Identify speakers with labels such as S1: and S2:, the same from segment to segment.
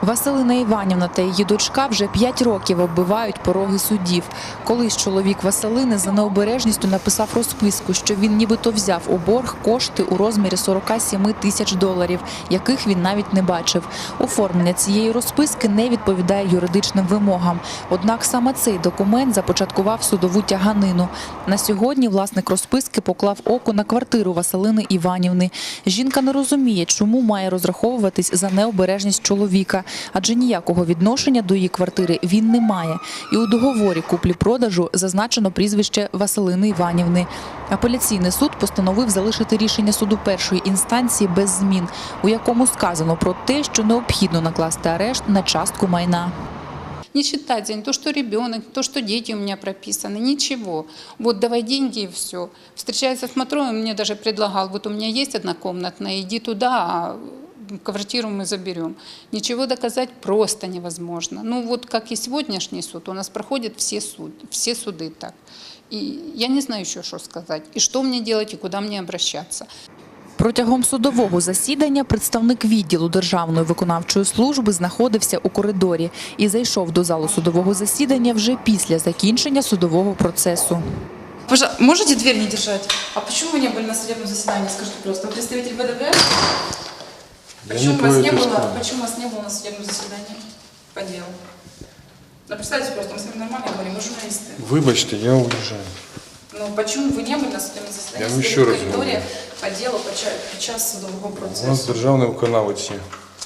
S1: Василина Іванівна та її дочка вже 5 років оббивають пороги судів. Колись чоловік Василини за необережністю написав розписку, що він нібито взяв у борг кошти у розмірі 47 тисяч доларів, яких він навіть не бачив. Оформлення цієї розписки не відповідає юридичним вимогам. Однак саме цей документ започаткував судову тяганину. На сьогодні власник розписки поклав око на квартиру Василини Іванівни. Жінка не розуміє, чому має розраховуватись за необережність чоловіка, адже ніякого відношення до її квартири він не має. І у договорі куплі-продажу зазначено прізвище Василини Іванівни. Апеляційний суд постановив залишити рішення суду першої інстанції без змін, у якому сказано про те, що необхідно накласти арешт на частку майна.
S2: Не считать за не то, что ребенок, то, что дети у меня прописаны, ничего. Вот давай деньги и все. Встречается с Матрой, он мне даже предлагал, вот у меня есть однокомнатная, иди туда, а квартиру мы заберем. Ничего доказать просто невозможно. Ну вот как и сегодняшний суд, у нас проходят все суды так. И я не знаю еще, что сказать, и что мне делать, и куда мне обращаться.
S1: Протягом судового засідання представник відділу Державної виконавчої служби знаходився у коридорі і зайшов до залу судового засідання вже після закінчення судового процесу.
S3: Можете дверь не держать? А почему вы не были на судебном заседании? Скажите просто. Вы представитель ВДВ? Почему вас не было на судебном заседании по делу? Ну, представьте просто, мы с вами нормально говорим, мы журналисты.
S4: Вибачте, я уезжаю.
S3: Ну, почему вы не были на судебном заседании?
S4: Я еще раз
S3: говорю. По делу, під час судового
S4: У
S3: процесу.
S4: нас державний виконавець є.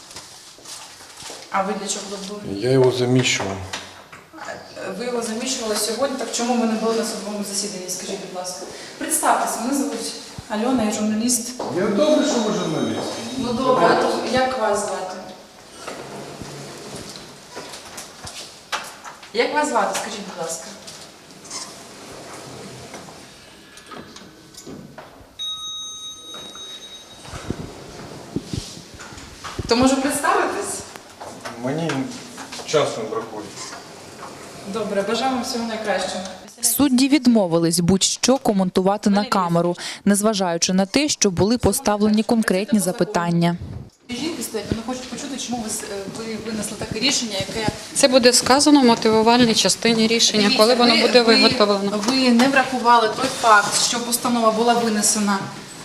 S3: А ви для чого тут були?
S4: Я його заміщував.
S3: Ви його заміщували сьогодні, так чому ви не були на судовому засіданні? Скажіть, будь ласка. Представтеся, мене звуть Альона, я журналіст.
S4: Я добре, що ви журналіст.
S3: Ну добре, а то як вас звати? Як вас звати, скажіть, будь ласка? То може представитись?
S4: Мені часу не бракує.
S3: Добре, бажаю вам всього найкращого.
S1: Судді відмовились будь-що коментувати на камеру, незважаючи на те, що були поставлені конкретні запитання.
S3: Жінки стоять, вони хочуть почути, чому ви винесли таке рішення, яке...
S2: Це буде сказано в мотивувальній частині рішення, коли воно буде виготовлено.
S3: Ви не врахували той факт, що постанова була винесена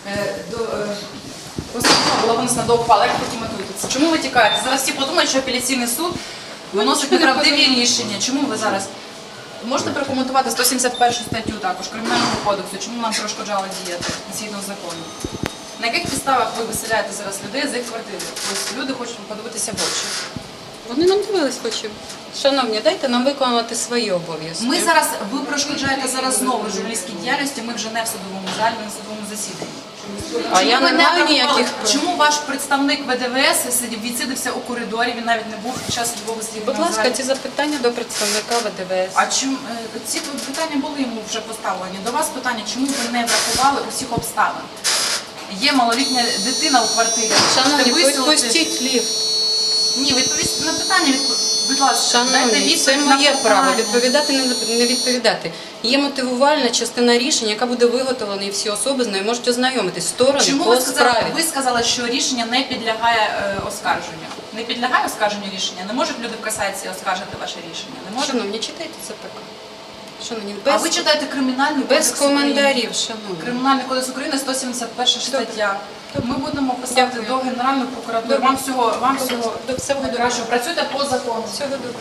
S3: до ухвали. Як потім мотуєтеся? Чому ви тікаєте? Зараз всі подумають, що апеляційний суд виносить неправдиві рішення. Чому ви зараз? Можете прокоментувати 171 статтю також Кримінального кодексу, чому нам перешкоджали діяти згідно закону? На яких підставах ви виселяєте зараз людей з їх квартири? Тобто люди хочуть подивитися в очі.
S2: Вони нам дивились в очі. Шановні, дайте нам виконувати свої обов'язки.
S3: Ви перешкоджаєте зараз знову журналістській діяльності, ми вже не в судовому залі, ми в судовому засіданні.
S2: А я не маю ніяких...
S3: Чому ваш представник ВДВС відсидився у коридорі, він навіть не був під час судового засідання?
S2: Будь ласка, ці запитання до представника ВДВС.
S3: А чому ці питання були йому вже поставлені? До вас питання, чому ви не врахували усіх обставин? Є малолітня дитина у квартирі.
S2: Шановні, відпустіть ліфт.
S3: Ні, відповісти на питання, будь ласка.
S2: Шановні, це моє право, відповідати, не відповідати. Є мотивувальна частина рішення, яка буде виготовлена, і всі особи з нею можуть ознайомитись. Сторони по справі.
S3: Ви сказали, що рішення не підлягає оскарженню. Не підлягає оскарженню рішення? Не можуть люди в касації оскаржити ваше рішення? Не можуть?
S2: Шановні, читайте це так. Шановні,
S3: А ви читаєте Кримінальний кодекс
S2: без коментарів, шановні.
S3: Кримінальний кодекс України, 171 стаття. Ми будемо писати до Генеральної прокуратури. Вам всього найкращого. Працюйте по закону.
S2: Всього добре.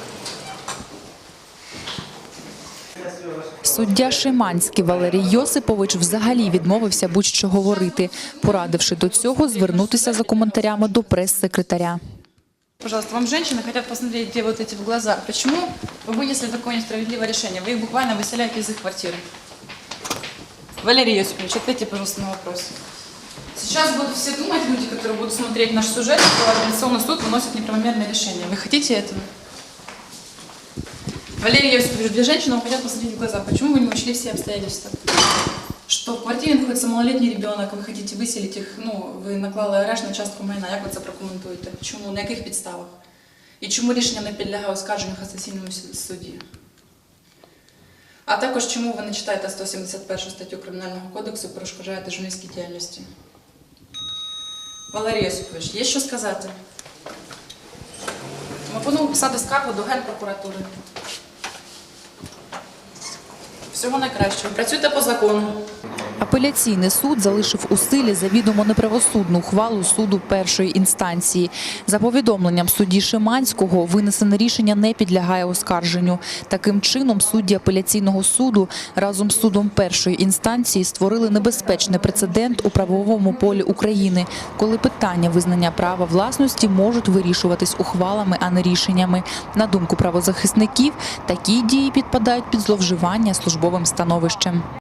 S1: Суддя Шиманський Валерій Йосипович взагалі відмовився будь-що говорити, порадивши до цього звернутися за коментарями до прес-секретаря.
S3: Пожалуйста, вам женщины хотят посмотреть, где вот эти в глаза. Почему вы вынесли такое несправедливое решение? Вы их буквально выселяете из их квартиры. Валерий Йосипович, ответьте, пожалуйста, на вопрос. Сейчас будут все думать, люди, которые будут смотреть наш сюжет, что апелляционный суд выносит неправомерное решение. Вы хотите этого? Валерий Йосипович, две женщины вам хотят посмотреть в глаза. Почему вы не учли все обстоятельства? Что в квартире находится малолетний ребенок, вы хотите выселить их, ви наклали арешт на частку майна. Як ви це прокоментуєте? Чому? На яких підставах? І чому рішення не підлягає оскарженню в касаційному суді? А також чому ви не читаєте 171 статтю Кримінального кодексу і перешкоджаєте журналістській діяльності? Валерій Йосипович, є що сказати? Пропоную писати скаргу до Генпрокуратури. Всього найкращого. Працюйте по закону.
S1: Апеляційний суд залишив у силі завідомо неправосудну ухвалу суду першої інстанції. За повідомленням судді Шиманського, винесене рішення не підлягає оскарженню. Таким чином, судді апеляційного суду разом з судом першої інстанції створили небезпечний прецедент у правовому полі України, коли питання визнання права власності можуть вирішуватись ухвалами, а не рішеннями. На думку правозахисників, такі дії підпадають під зловживання службовим становищем.